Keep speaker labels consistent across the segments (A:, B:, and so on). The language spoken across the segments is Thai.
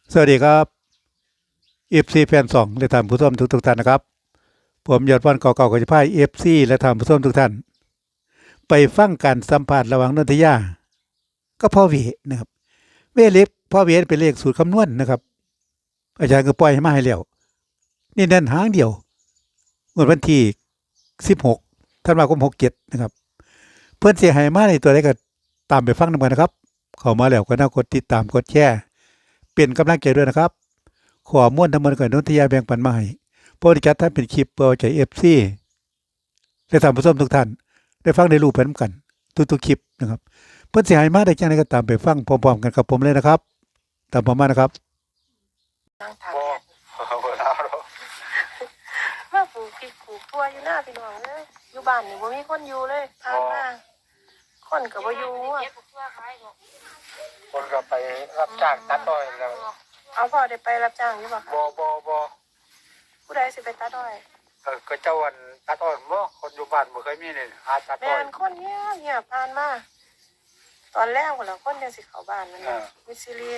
A: สวัสดีครับFC แฟนสองและท่านผู้ชมทุกท่านนะครับผมยอดวันก่อเก่าก็จะพาFC และท่านผู้ชมทุกท่านไปฟังการสัมภาษณ์ระหว่างนนทยาก็พ่อเวนะครับเวเล็กพ่อเวเป็นเลขสูตรคำนวณนะครับอาจารย์ก็ปล่อยให้มาให้แล้วนี่นั่นหางเดียวงวดวันที่16ธันวาคม67นะครับเพื่อนเสียหายมาในตัวใดก็ตามไปฟังนำกันนะครับเข้ามาแล้วก็น่ากดติดตามกดแชร์เป็นกำลังใจด้วยนะครับขอม้วนทั้งหมดก่อนนนทยาแบ่งปันมาให้โปรดิจัดท่านเป็นคลิปเพื่อใจFC และท่านผู้ชมทุกท่านได้ฟังได้รู้ไปนำกันทุกๆคลิปนะครับเพื่อนเสียหายมาได้จังไดก็ตามไปฟังพร้อมๆกันกับผมเลยนะครับตามผมมานะครับ
B: นั่งถาม
C: บ่บ่ลาวหรอก
B: ว่าปลูกพริกปลูกทั่วอยู่หน้าพี่น้องเลยอยู่บ้านนี่บ่มีคนอยู่เลยผ่านมาคนก็บ่อยู่อะ
C: คนก็ไปรับจ้างตัดอ้อยแล้ว
B: เอาพ่อได้ไปรับจ้างอยู่บ่คะ
C: บ่
B: ผู้ใดสิไปตัดอ้อย
C: ก็เจ้าวันตัดอ้อยบ่คนอยู่บ้านบ่เคยมีนี่หาตัด
B: แม่
C: อ้อย
B: นคนเงียบผ่านมาตอนแรกพุ่นล่ะคนจังสิเข้าบ้านนั่นน่ะมิสซิลี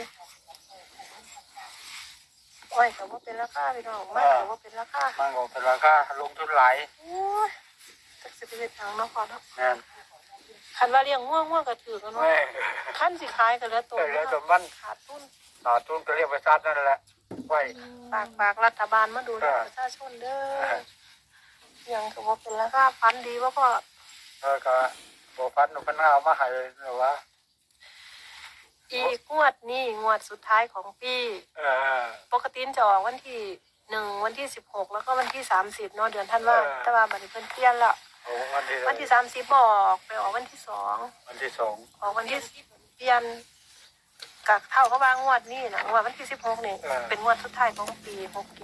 B: อ้อยก็บ่เป็นราคาพี่น้องมันก็บ่เป็นราคา
C: มันก็เป็นราคาลงทุนหลาย
B: โอ้ยจักสิไปเฮ็ดหยังเนาะพ่อเนาะ
C: แม่น
B: คันว่าเลี้ยงง่วงก็ถือกันเนาะ
C: แม่
B: คันสิขายก็เหลือตัว
C: เหลือแต่มัน
B: ขาดทุน
C: ขาดทุนก็เรียกไปซัดนั่นแหละไว้
B: ฝากรัฐบาลมาดูแลประชาชนเด้อยังก็บ่เป็นราคาพันดีบ่พ่อ
C: ก็บ่ฟันมันเอามาให้หรือว่า
B: อีกงวดนี้งวดสุดท้ายของปี
C: เออ
B: ปกติจะออกวันที่1วันที่16แล้วก็วันที่30เนาะเดือนธันวาแต่ว่าบัดนี้เพิ่นเปลี่ยนแล้ว
C: โอ้วันที่
B: วันที่30บ่ออกไปออกวันที่2
C: วันที่2
B: ออกวันที่เปลี่ยนกับเท่ากับว่างวดนี้นะงวดวันที่16นี่เป็นงวดสุดท้ายของปี67
C: โอเค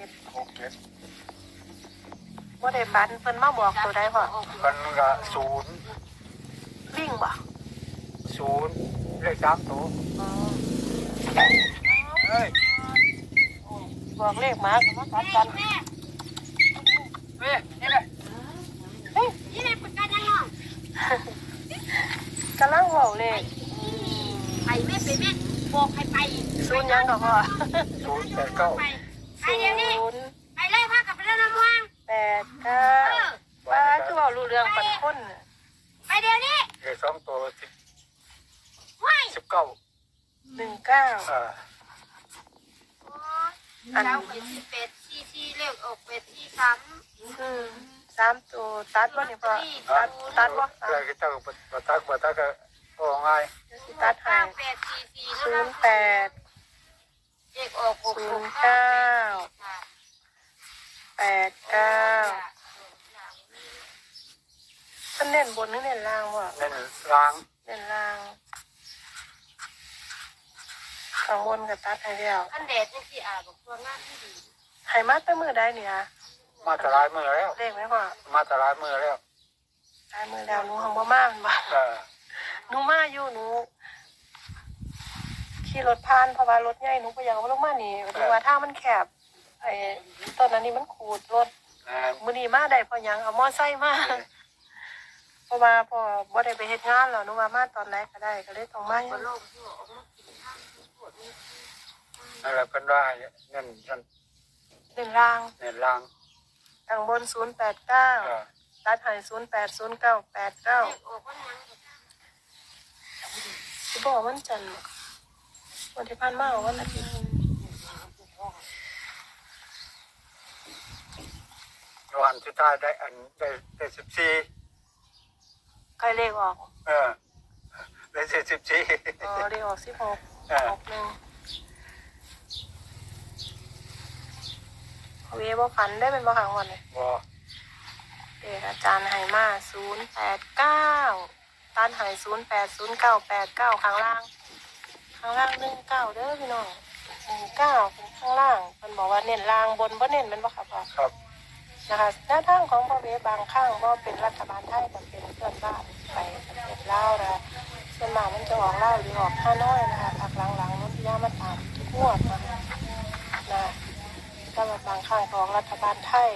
B: บ่ได้ฝันเพิ่นมาบอกตัวใดพ่อ
C: กันก็
B: วิ่งบ่
C: 0เลข3ตัว
B: อ๋อ
C: เฮ้ย
B: บอกเลขมาก็มากัดกัน
C: นี่แหละ
D: นี่แหละประกันยังไง
B: กำลังบอกเลข
D: ไปแม่ไปแม่บอกให้ไป
B: ศูนย์ยังดอกพ่อ
C: 089
D: ไปไปเดี๋ยวนี้
B: ศูนย์
D: ไปเลยพากับไปแล้วน้ำว่าง
B: แปดเก้าป้าคือบอกรู้เรื่องปันคนน่ะ
D: ไปเดี๋ยวนี้
C: เลข2ตัว
D: ว้าย
C: 19
B: 19
D: อันเราเป็นเป็ดซีเลขออกเป็ดซีซ้
B: 3ตัวตัดบ่เนี่ยพ่อตัดบ่
C: อะไรก็เจ้าบัตักก็โอ้ง่าย
B: สิตัด
D: ำ
B: ให้
D: 98ซีเท่า
B: ศู
D: นั้น
B: นย์แปด
D: เลขออก6
B: แปดเก้าท่านเน้นบนหรือเน้นล่างบ่
C: เน้นล้าง
B: เน้นล่างข้างบนก็ตัดให้แล้ว
D: อันแดดนี่สิบอกตัวงานที่ดี
B: ให้มาแต่มื้อใดเนี่ย
C: มาตรายมือแล้ว
B: เลขไหมพ่อ
C: มาตรายมือแล้ว
B: ได้มื้อแล้วหนูหังบ่มาแม่นบ่ หนูมาอยู่หนูขี่รถผ่านเพราะว่ารถใหญ่หนูก็อยากเอาลงมานี่ดูว่าทางมันแคบไอ้ตอนนั้นนี่มันขูดรถมื้อนี้มาได้เพราะหยังเอามอไซค์มาเพราะว่าพอบ่ได้ไปเฮ็ดงานแล้วหนูว่ามาตอนไหนก็ได้ก็เลยต้องมา
D: ก็โลกที่ออกมากินข้าวปวดนี่
C: นั่นแหละเป็นได้เน้น
B: หนึ่งราง
C: เน้นล้าง
B: ทางบน089ตัดให้080989
D: เลขออกวันยัง
B: สิบอกวันจันทร์วันที่ผ่านมาวันอาทิตย์
C: วันสุดท้ายได้ได้14
B: ใกล้เลขออก
C: ได้14
B: อ๋อเลขออก16 61เวบ่ฝันได้เป็นบ่ครั้งวันเลย
C: บ่
B: เด็กอาจารย์ให้มา089ตันให้080989ข้างล่าง19เด้อพี่น้อง19เป็นข้างล่างเพิ่นบอกว่าเน้นล่างบนบ่เน้นแม่นบ่ครับพ่อ
C: ครับ
B: นะคะหน้าทางของพ่อเวบางข้างบ่เป็นรัฐบาลไทยก็เป็นเพื่อนบ้านไปประเทศลาวนะส่วนมากมันจะออกลาวหรือออกฮานอยนะคะพักหลังๆนู้นที่ย่ามาตามทุกงวดนะคะนะถ้าว่าบางข้างของรัฐบาลไทย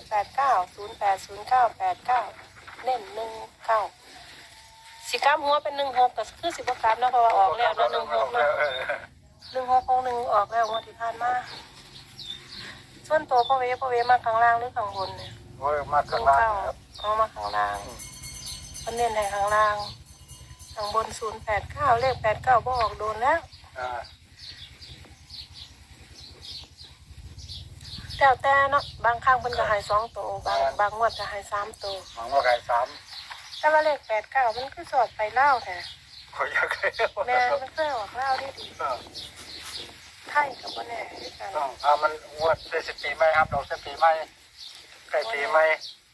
B: 0890809989เน้น19สิกลับหัวเป็น16ก็คือสิบ่กลับเนาะเพราะว่าออกแล้วเนาะ16เนาะ 1661ออกแล้วงวดที่ผ่านมาส่วนตัวพ่อเวมาข้างล่างหรือข้างบนเนี่ย
C: โอ้ยมาข้างล่างครับ
B: เอามาข้างล่างมันเน้นในข้างล่างข้างบน089เลข89บ่ออกโดนแล้ว
C: อ่า
B: แต่เนาะบางครั้งเพิ่นก็ให้2ตัวบางงวดก็ให้3ตัว
C: หวังว่าไก่สาม
B: แต่ว่าเลข89มันคือสอดไปเล่าวแท้
C: ขอยากให้
B: แม่มันเคยออกเล่าวได้ดีไทยกับบ่แน่คือกัน
C: ต้องมันงวดได้10 ปีไหมครับเรา10 ปีไหมใกล้ปีไหม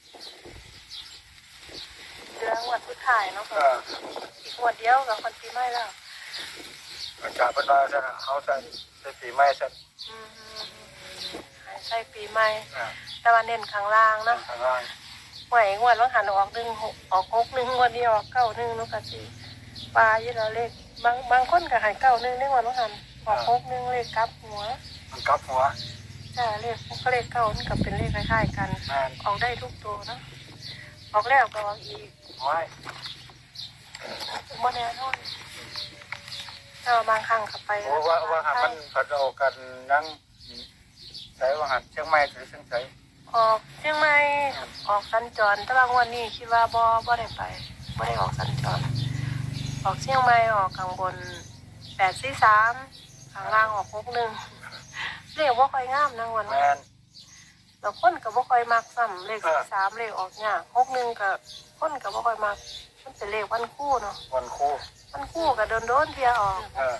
B: เดือนงวดสุดท้ายเนาะ อีกงวดเดียวกับคนปีใหม่แล้ว
C: อาจารย์เป็นว่าจะเขาจะได้ปีไหมจะ
B: อืมใช่ปีใหม่
C: อ่า
B: แต่ว่าเน้นข้างล่างเนาะ
C: ข้างล่าง
B: หวยงวดว่าหันออก16ออก61งวดนี้ออก91นุกะสิปลาอยู่แล้วเลขบางคนก็ให้91ในงวดว่าหันออก61เลขกลับหัว
C: มันกลับหัว
B: จ้าเลขก็เลขเก้ามันก็เป็นเลขคล้ายๆกัน
C: แม่น
B: ออกได้ทุกตัวเนาะออกแล้วก็ออกอีก
C: ไว้
B: บ่แน่นอนแต่ว่าบางครั้งก็ไป
C: โอ้ว่าหากมันผัดเอากันนั่งใส่ว่าหัดเชียงใหม่หรือเชียงใส
B: ออกเชียงใหม่ออกสัญจรแต่ว่างวดนี้คิดว่าบ่ได้ไปบ่ได้ออกสัญจรออกเชียงใหม่ออกข้างบน843ข้างล่างออก61เลขบ่ค่อยงามนะงวด
C: แม่น
B: แล้วคนก็บ่ค่อยมักซ้ำเลข43เลขออกยาก61ก็คนก็บ่ค่อยมักมันเป็นเลขวันคู่เนาะ
C: วันครู
B: วันคู่ก็โดนเที่ยออก
C: เออ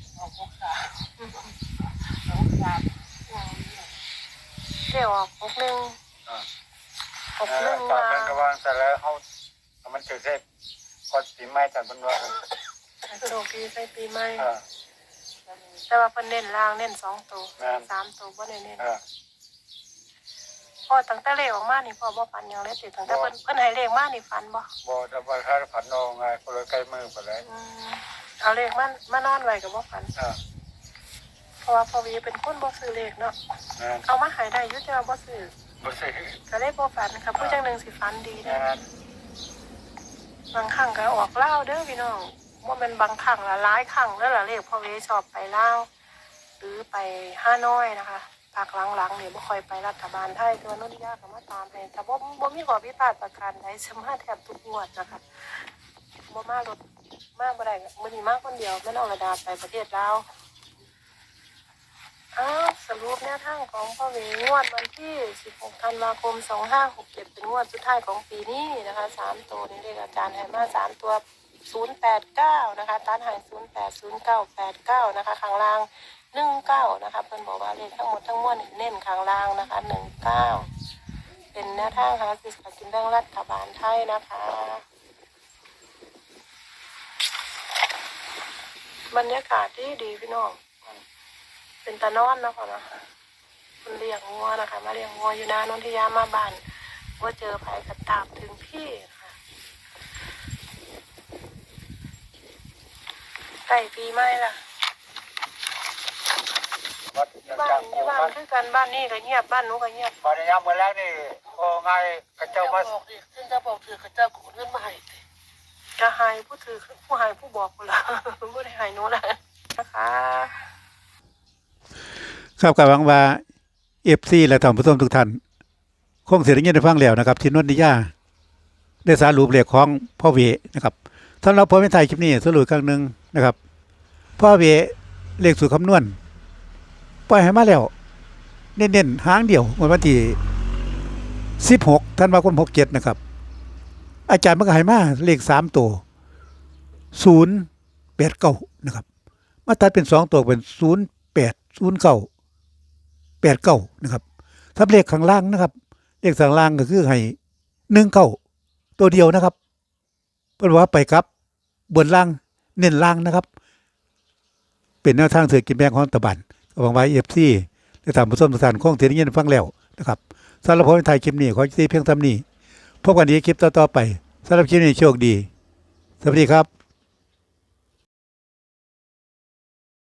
B: เลขออก61
C: อ่า
B: 61
C: จาก
B: ว่า
C: เป็นกระวางเสร็จแล้วเขามันถือเทพก่อนปีใหม่จากเป็นว่า
B: โชคดีใส่ปีใหม่
C: เออ
B: แต่ว่าเพิ่นเน้นล่างเน้น2ตัว
C: แม่น
B: 3ตัวบ่ได้เน้น
C: เออ
B: พอตั้งแต่เลขออกมานี่พ่อบ่ฝันหยังเลยติตั้งแต่เพิ่นให้เลขมานี่ฝันบ่
C: บ่จะว่าถ้าผันนองไงคนละใกล้มือไปเลย
B: เอาเลขมานอนไว้ก็บ่ฝัน
C: เออ
B: เพราะว่าพ่อวีเป็นคนบ่ซื้อเลขเนาะ
C: แม่น
B: เอามาให้ได้อยู่แต่ว่าบ่ซื้อ
C: บ่สิ
B: ก็เลยบ่ฝันครับผู้จังหนึงสิฝันดีเด้
C: แม่
B: อน บางครั้งก็ออกลาวเด้อพี่น้องบ่แม่นบางครั้งละหลายครั้งแล้วล่ะเลขพ่อวีชอบไปลาวหรือไปฮานอยนะคะภาคหลังๆนี่บ่ค่อยไปรัฐบาลไทยตัวนนทิยาก็มาตามให้แต่บ่มีข้อผิดพลาดประการใดสมาแทบทุกงวดนะคะบ่มารถมาบ่ได้มื้อนี้มาคนเดียวแม่น้องระดาไปประเทศลาวสรุปแนวทางของพ่อเวงวดวันที่16ธันวาคม2567เป็นงวดสุดท้ายของปีนี้นะคะ3ตัวนี้เลขอาจารย์ให้มา3ตัว089นะคะตัดให้080989นะคะข้างล่าง19นะคะเพิ่นบอกว่าเลขทั้งหมดทั้งมวลเน้นข้างล่างนะคะ19เป็นแนวทางหาซื้อสลากกินแบ่งรัฐบาลไทยนะคะบรรยากาศดีพี่น้องเป็นตะนอนเนาะค่ะเนาะคนเลี้ยงงัวนะคะมาเลี้ยงงัวอยู่นานนทิยามาบ้านว่าเจอภัยกระตามถึงที่ค่ะใกล้ปีใหม่ละ
C: วัด
B: บ้านที่บ้านคือกันบ้านนี้ก็เงียบบ้านนู้นก็เงียบ
C: วันยามมื้อแรกนี่โอ้ไงกระเจ้ามา
B: ซึ่งจะบอกถือเขาเจ้าขนเงินมาให้จะหายผู้ถือผู้หายผู้บอกกูละ ไม่ได้หายนู้นละนะคะ
A: ครับก็หวังว่า FC และท่านผู้ชมทุกท่านคงสิได้ยินได้ฟังแล้วนะครับที่นนทิยาได้สรุปเลขของพ่อเวนะครับสำหรับผมในไทยคลิปนี้สรุปครั้งหนึงนะครับพ่อเวเลขสูตรคำนวณปล่อยให้มาแล้วเน้นๆหางเดียววันที่16ธันวาคม67นะครับอาจารย์มันก็ให้มาเลข3ตัว089นะครับมาตัดเป็น2ตัวเป็น0809 89นะครับถ้าเลขข้างล่างนะครับเลขข้างล่างก็คือให้19ตัวเดียวนะครับเพิ่นว่าไปครับบนล่างเน้นล่างนะครับเป็นแนวทางเศรษฐกิจแบ่งของรัฐบาลก็หวังว่า FC ได้ตามผู้ชมทุกท่านคงสิได้ยินฟังแล้วนะครับสำหรับผมในไทยคลิปนี้ขอสิเพียงเท่านี้พบกันในคลิปต่อๆไปสำหรับคลิปนี้โชคดีสวัสดีครับ